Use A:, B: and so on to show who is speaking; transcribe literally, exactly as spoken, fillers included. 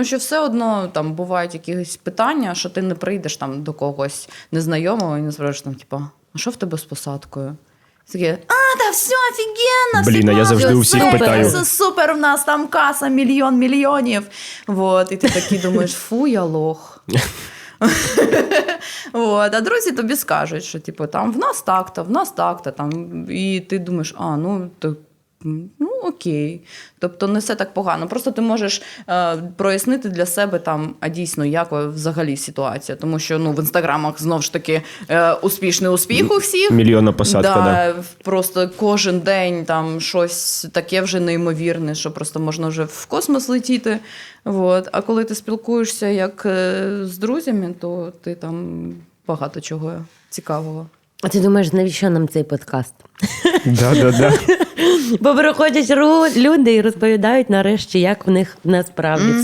A: Тому що все одно там бувають якісь питання, що ти не прийдеш там до когось незнайомого і не спробуєш там, типу, а що в тебе з посадкою? Такі, а, та все офігенно,
B: Блін, а я завжди у всіх
A: супер,
B: питаю.
A: Це супер, в нас там каса, мільйон мільйонів. Вот, і ти такий думаєш, фу, я лох. От, а друзі тобі скажуть, що типу, там, в нас так-то, в нас так-то. Там, і ти думаєш, а, ну, то, ну окей. Тобто не все так погано. Просто ти можеш е, прояснити для себе, там, а дійсно, як взагалі ситуація. Тому що ну, в інстаграмах, знову ж таки, е, успішний успіх у всіх.
B: Мільйонна посадка,
A: да,
B: да.
A: Просто кожен день там щось таке вже неймовірне, що просто можна вже в космос летіти. Вот. А коли ти спілкуєшся як е, з друзями, то ти там багато чого цікавого.
C: А ти думаєш, навіщо нам цей подкаст?
B: Да, да, да.
C: Бо приходять ру- люди і розповідають нарешті, як в них насправді